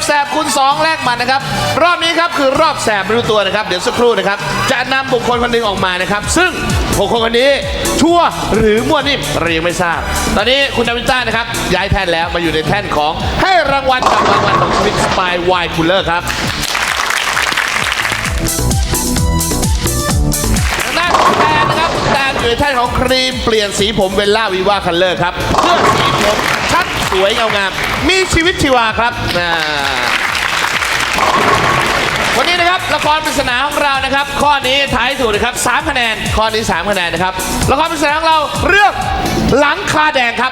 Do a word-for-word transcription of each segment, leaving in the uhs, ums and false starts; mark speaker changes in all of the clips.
Speaker 1: แสบคูณสองแลกมันนะครับรอบนี้ครับคือรอบแสบไม่รู้ตัวนะครับเดี๋ยวสักครู่นะครับจะนำบุคคลคนหนึ่งออกมานะครับซึ่งบุคคลคนนี้ชั่วหรือมั่วนิ่มเรายังไม่ทราบตอนนี้คุณนาวินต้านะครับย้ายแท่นแล้วมาอยู่ในแท่นของให้รางวัลกับรางวัลของชีวิตสปายไวน์คูลเลอร์ครับทางด้านของแตนนะครับแตนอยู่ในแท่นของครีมเปลี่ยนสีผมเวลล่าวิวาคัลเลอร์ครับเพื่อสีผมชัดสวยเงางามมีชีวิตชีวาครับวันนี้นะครับละครปริศนาของเรานะครับข้อนี้ท้ายถูกนะครับสามคะแนนข้อนี้สามคะแนนนะครับละครปริศนาของเราเรื่องหลังคาแดงครับ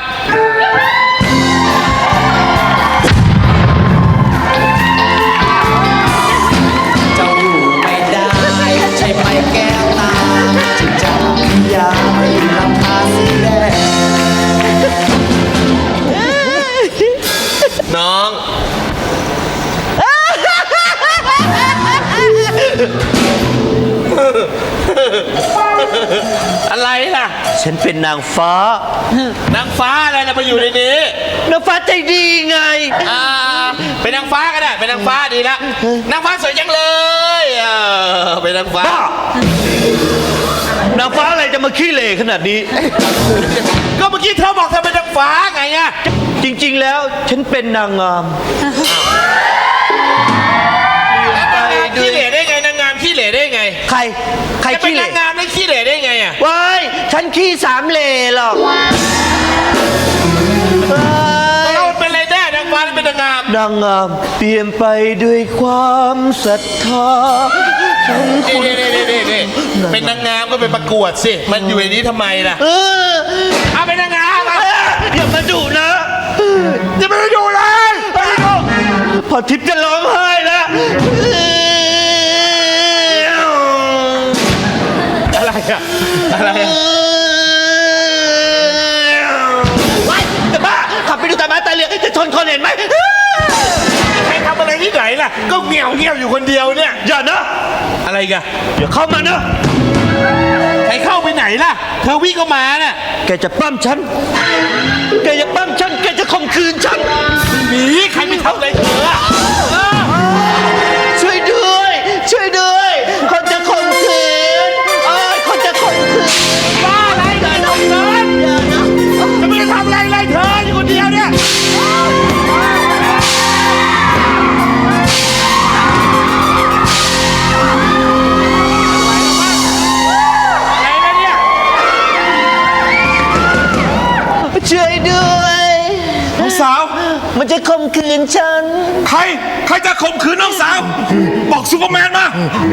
Speaker 2: เจ้าอยู่ไม่ได้ใช่ไหมแก้วตาจึงจะยาไม่ลำพาสีแดง
Speaker 1: น้องอะไรล่ะ
Speaker 2: ฉันเป็นนางฟ้าน
Speaker 1: างฟ้าอะไรล่ะมาอยู่ในนี้
Speaker 2: นางฟ้าใจดีไง
Speaker 1: อ่าเป็นนางฟ้าก็ได้เป็นนางฟ้าดีแล้วนางฟ้าสวยจังเลยเออเป็นนางฟ้าน
Speaker 2: างฟ้าอะไรจะมาขี้เหร่ขนาดนี้
Speaker 1: ก็เมื่อกี้เธอบอกเธอเป็นนางฟ้าไงอะ
Speaker 2: จริงๆแล้วฉันเป็นนางงาม
Speaker 1: ขี้เหร่ได้ไงนางงามขี้เหร่ได้ไง
Speaker 2: ใครใครขี้เหร่
Speaker 1: นางงามได้ขี้เหร่ได้ไงอะ
Speaker 2: ว้ายฉันขี้สามเหร่หรอก
Speaker 1: เราเป็นอะไรได้นางฟ้าเป็นนางงาม
Speaker 2: นางงามเปลี่ยนไปด้วยความศรัทธาฉัน
Speaker 1: นี่นี่นี่นี่เป็นนางงามก็ไปประกวดสิมันอยู่ในนี้ทำไมล่ะ
Speaker 2: เออ
Speaker 1: เอาเป็นนางงาม
Speaker 2: อย่ามาดุนะ
Speaker 1: อย่ามาดุเลย
Speaker 2: พอทิพย์จะร้องไห้แล้ว
Speaker 1: อะไรอะอะไรอะ
Speaker 2: ว้ายแต่บ้าขับไปดูตาม้าตาเรือจะชนคนเห็นไหม
Speaker 1: ใครทำอะไรที่ไหนล่ะก็เงี่ยวเงี่ยวอยู่คนเดียวเนี่ย
Speaker 2: อย่านะ
Speaker 1: อะไรกัน
Speaker 2: อย่าเข้ามานะ
Speaker 1: ใครเข้าไปไหนล่ะเธอวิ่งเข้ามาน่ะ
Speaker 2: แกจะปั้มฉันแกจะปั้มฉันแกจะข่มขืนฉัน
Speaker 1: หนีใครไม่ทำอะไรเธอ
Speaker 2: ช่วยด้วยช่วยด้วยคนจะข่มขืนเอ้ยคนจะข่มขืน
Speaker 1: บ้าอะไรเลยน้องเกินจะไม่ได้ทำอะไรเลยเธออยู่คนเดียวเนี่ย
Speaker 2: ช่วยด้วย
Speaker 1: น้องสาว
Speaker 2: มันจะข่มขืนฉัน
Speaker 1: ใครใครจะข่มขืนน้องสาวบอกซูเปอร์แมนมา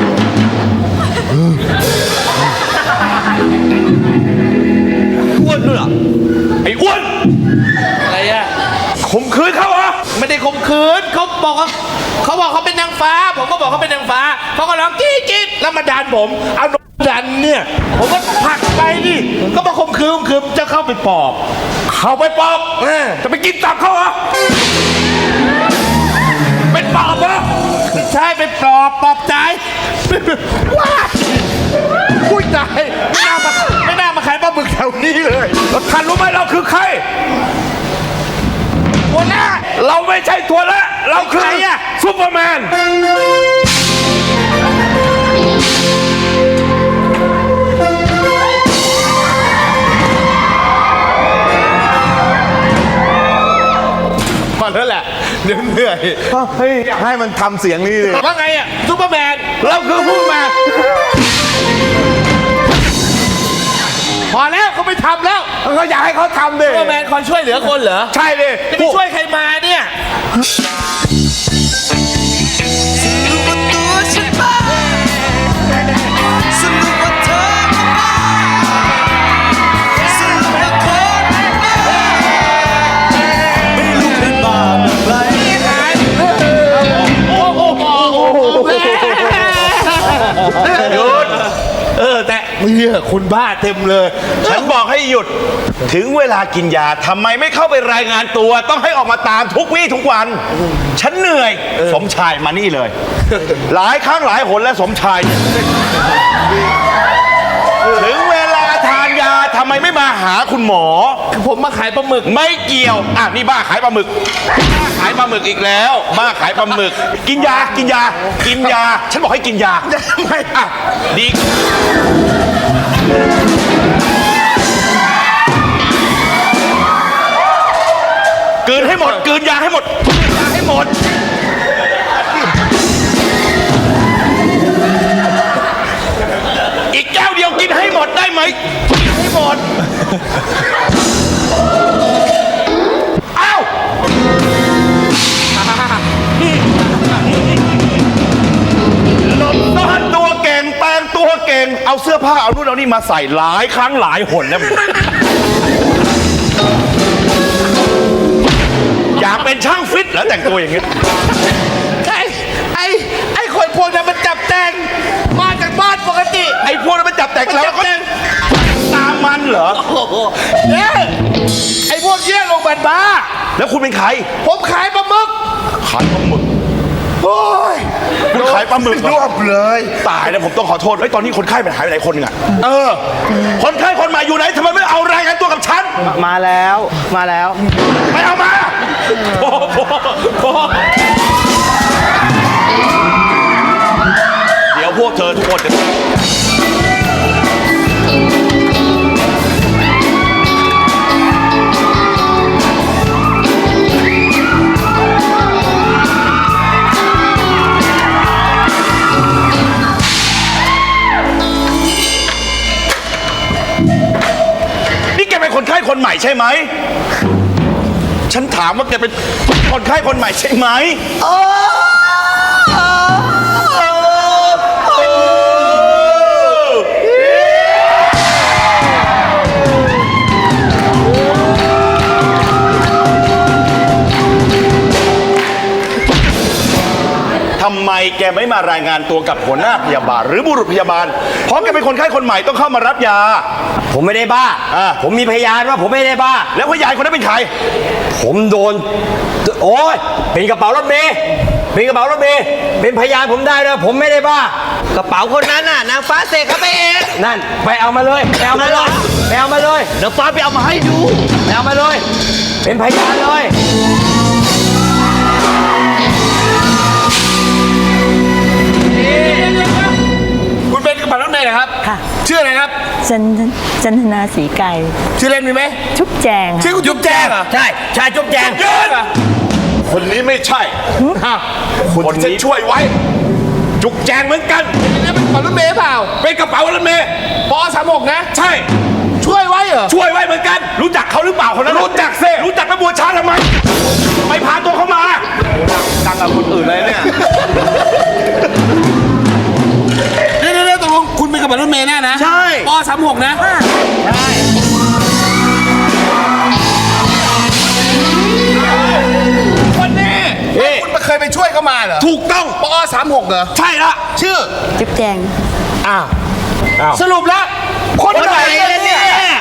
Speaker 2: อ้วนด้วยเหรอ
Speaker 1: ไอ้อ้วนอะไรอะข่มขืนเขาเหรอไม่ได้ข่มขืนเขาบอกว่าเขาบอกเขาเป็นนางฟ้าผมก็บอกเขาเป็นนางฟ้าเขาก็ร้องจี๊ดจี๊ดแล้วมาดันผมเอาดันเนี่ยผมก็ผลักไปดิก็มาข่มขืนข่มขืนจะเข้าไปปอบเข้าไปปอบจะไปกินตับเขาเหรอเป็นปอบเหรอใช่เป็นปอบปอบใจว้าคุยใจไม่น่ามาไม่น่ามาขายปลาหมึกแถวนี้เลยแล้วท่านรู้ไหมเราคือใครตัวหน้าเราไม่ใช่ตัวละเราคือซูเปอร์แมนพอแล้วแหละเดี๋ยวเหนื่อย
Speaker 3: เฮ้ยให้มันทำเสียงนี้เลย
Speaker 1: ว่าไงอ่ะซูเปอร์แมนเราคือซูเปอร์แมนพอแล้วเขาไม่ทำแล้ว
Speaker 3: เขาอยากให้เขาทำดิ
Speaker 1: ซูเปอร์แมนคอยช่วยเหลือคนเหรอ
Speaker 3: ใช่ดิ
Speaker 1: จะไปช่วยใครมาเนี่ยหยุดเออแต่เนี่ยคุณบ้าเต็มเลย
Speaker 3: ฉันบอกให้หยุดถึงเวลากินยาทำไมไม่เข้าไปรายงานตัวต้องให้ออกมาตามทุกวี่ทุกวันฉันเหนื่อยสมชายมานี่เลยหลายครั้งหลายหนแล้วสมชายถึงเวลาทานยาทำไมไม่มาหหาคุณหมอ
Speaker 1: ผมมาขายปลาหมึก
Speaker 3: ไม่เกี่ยว อ่ะ นี่บ้าขายปลาหมึก บ้าขายปลาหมึกอีกแล้ว บ้าขายปลาหมึก กินยา กินยา กินยา ฉันบอกให้กินยา ไม่อ่ะ ดี กลืนให้หมด กลืนยาให้หมดกลืนยาให้หมด อีกแก้วเดียวกินให้หมดได้ไหมกินให้หมด เอ้า หลบซ่อนตัวเก่งแปลงตัวเก่ง เอาเสื้อผ้าเอานู่นเอานี่มาใส่หลายครั้งหลายหนแล้วมึงอยากเป็นช่างฟิตแล้วแต่งตัวอย่างเงี้ย
Speaker 1: ไอ้ไอ้ไอ้คนพวกนั้นมันจับแต่งมาจากบ้านปกติ
Speaker 3: ไอ้พวกนั้นมันจับแต่งแล้วก็ตามมันเหรอ
Speaker 1: โอ้โหเนี่ยไอ้พวกเยี่ยลงบันบ้า
Speaker 3: แล้วคุณเป็นใคร
Speaker 1: ผมขายปลาหมึก
Speaker 3: ขายปลาหมึก
Speaker 1: โอ้ย
Speaker 3: คุณขายปลาหมึกเหร
Speaker 1: ร
Speaker 3: อ
Speaker 1: วบเลย
Speaker 3: ตายแล้วผมต้องขอโทษเฮ้ยตอนนี้คนไข้มันหายไปไหนคนหนึงอะเออ คนไข้คนใหม่อยู่ไหนทำไมไม่เอารายงานตัวกับฉัน
Speaker 2: มาแล้วมาแล้ว
Speaker 3: ไปเอามาโอ้โหโอ้โหเดี๋ยวพวกเธอทุกคนจะ นี่แกเป็นคนไข้คนใหม่ใช่ไหม ฉันถามว่าแกเป็นคนไข้คนใหม่ใช่ไหมทำไมแกไม่มารายงานตัวกับหัวหน้าพยาบาล หรือบุรุษพยาบาล เพราะแกเป็นคนไข้คนใหม่ต้องเข้ามารับยา
Speaker 2: ผมไม่ได้บ้า
Speaker 3: อ่า
Speaker 2: ผมมีพยานว่าผมไม่ได้บ้า
Speaker 3: แล้วพยานคนนั้นเป็นใคร
Speaker 2: ผมโดน โอ้ยเป็นกระเป๋ารถเมย์เป็นกระเป๋ารถเมย์เป็นพยานผมได้เลยผมไม่ได้บ้ากระเป๋าคนนั้นน่ะนางฟ้าเสกเขาไปเองนั่นไปเอามาเลยไปเอามาเลยไปเอามาเลยเดี๋ยวฟ้าไปเอามาให้ดูไปเอามาเลย เป็นพยานเลย
Speaker 1: คุณเป็นกระเป๋ารถเมล์เหรอครับ
Speaker 4: ค่ะ
Speaker 1: ชื่ออะไรครับ
Speaker 4: จันจันทนาสีไก่
Speaker 1: ชื่อเล่นมีไหม
Speaker 4: ชุบแจง
Speaker 1: ชื่อคุณจุ๊บแจงเหรอ
Speaker 2: ใช่ใช่จุ๊บแจง
Speaker 3: ยืนคนนี้ไม่ใช่
Speaker 1: อ้าว
Speaker 3: คนนี้ช่วยไว้ จุกแจงเหมือนกัน
Speaker 1: นี่เป็นกระเป๋ารถเมล์เปล่า
Speaker 3: เป็นกระเป๋ารถเมย์
Speaker 1: ปอสามหกนะ
Speaker 3: ใช่
Speaker 1: ช่วยไว้เหรอ
Speaker 3: ช่วยไว้เหมือนกัน รู้จักเขาหรือเปล่าคนนั้นรู้จักเซ่รู้จักไปบัวช้าทำไมไปพาตัวเขามาดังกับคนอื่นเลยเนี่ย
Speaker 1: เดี๋ยวเดี๋ยวตกลงคุณเป็นกระเป๋ารถเมล์แน่นะ
Speaker 2: ใช่
Speaker 1: ปอสามหกนะ
Speaker 2: ใช่
Speaker 1: คนนี้คุณเคยไปช่วยเขามาเหรอ
Speaker 3: ถูกต้อง
Speaker 1: ปอสามหกเหรอ
Speaker 3: ใช่ละ
Speaker 1: ชื่อ
Speaker 4: ชุบแจง
Speaker 1: สรุปแล้ว คนไหนกันเนี่ย